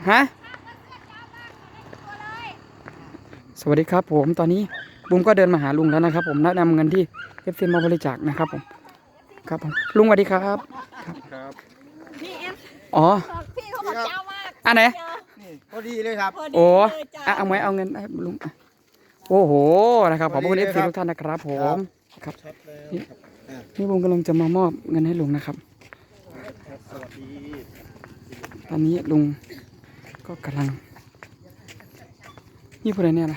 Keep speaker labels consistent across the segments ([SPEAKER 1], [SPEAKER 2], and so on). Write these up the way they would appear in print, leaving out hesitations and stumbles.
[SPEAKER 1] ฮะสวัสดีครับผมตอนนี้บุ้มก็เดินมาหาลุงแล้วนะครับผมแนะนำเงินที่เอฟซีมาบริจาคนะครับผมครับผมลุงสวัสดีครับ
[SPEAKER 2] ครับ
[SPEAKER 3] พี่เอ็ม
[SPEAKER 1] อ๋อ
[SPEAKER 3] พี่เขาบอกเจ้ามาก
[SPEAKER 1] อันไหน
[SPEAKER 2] พอดีเลยครับ
[SPEAKER 1] โอ้เอาไหมเอาเงินให้ลุงโอ้โหนะครับขอบคุณเอฟซีทุกท่านนะครับผมครับนี่บุ้มกำลังจะมามอบเงินให้ลุงนะครับตอนนี้ลุงก็กำลังนี่พูดอะไรเนี่ยนะ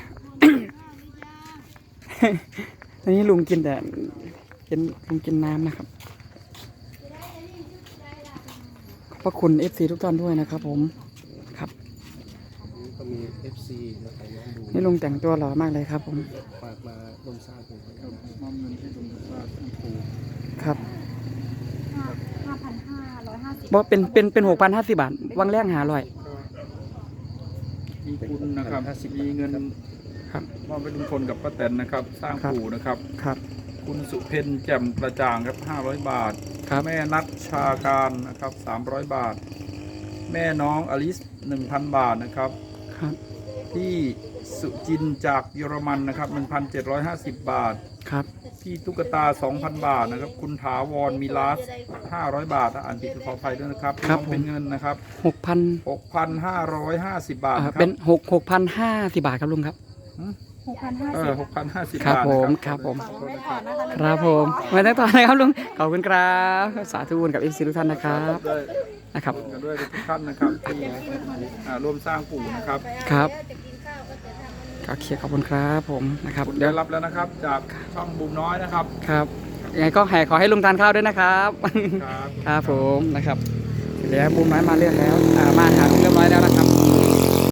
[SPEAKER 1] อันนี้ลุงกินแต่ลุงกินน้ำนะครับขอบพระคุณ FC ทุกท่านด้วยนะครับผมครับ
[SPEAKER 2] ก็มี FC นะครับน้องบู
[SPEAKER 1] นี่ลุงแต่งตัวหล่อมากเลยครับผม
[SPEAKER 2] ฝากมาร่วมสร้างผมครับมอบเงินให้ลุงสร้างปู
[SPEAKER 1] ครับ
[SPEAKER 3] 5,550
[SPEAKER 1] บอกเป็น6,050 บาทวังแรกหาร่อย
[SPEAKER 4] มีคุณนะครับมีเงิน
[SPEAKER 1] ครับ
[SPEAKER 4] มอบไปลุงพลกับป้าแตนนะครับ สร้างปู่นะครับ
[SPEAKER 1] ครับ
[SPEAKER 4] คุณสุเพนแจ่มกระจ่างครับ500 บาทแม่นัทชาการนะครับ300 บาท แม่น้องอลิส 1,000 บาทนะครับ
[SPEAKER 1] ครับ
[SPEAKER 4] พี่สุจินจากเยอรมันนะครับ 1,750 บาท
[SPEAKER 1] ครับ
[SPEAKER 4] พี่ตุ๊กตา 2,000 บาทนะครับคุณถาวรมิลาส500 บาทอ่านผิดขออภัยด้วยนะครับเป็นเงินนะครับ6,550 บาท
[SPEAKER 1] เป็น6,050 บาทครับลุงครับ
[SPEAKER 4] 6,050
[SPEAKER 1] ครับ
[SPEAKER 4] บาท
[SPEAKER 1] ผมครับผมครับผมไม่ต้องต่อนะครับลุงขอบคุณครับสาธุบุญกับ FC ทุกท่านนะครับนะครับ
[SPEAKER 4] กันด้วยทุกท่านนะครับที่ร่วมสร้างปู่นะครับ
[SPEAKER 1] ครับโอเคขอบคุณครับผมนะครับ
[SPEAKER 4] เดี๋ยวรับแล้วนะครับจากช่องบูมน้อยนะครับ
[SPEAKER 1] ครับยังไงก็ขอให้ลุงทานข้าวด้วยนะครับ
[SPEAKER 4] ครับ
[SPEAKER 1] ครับผมนะครับเดี๋ยวบูมน้อยมาเรียกแล้วมาหาเรียบร้อยแล้ว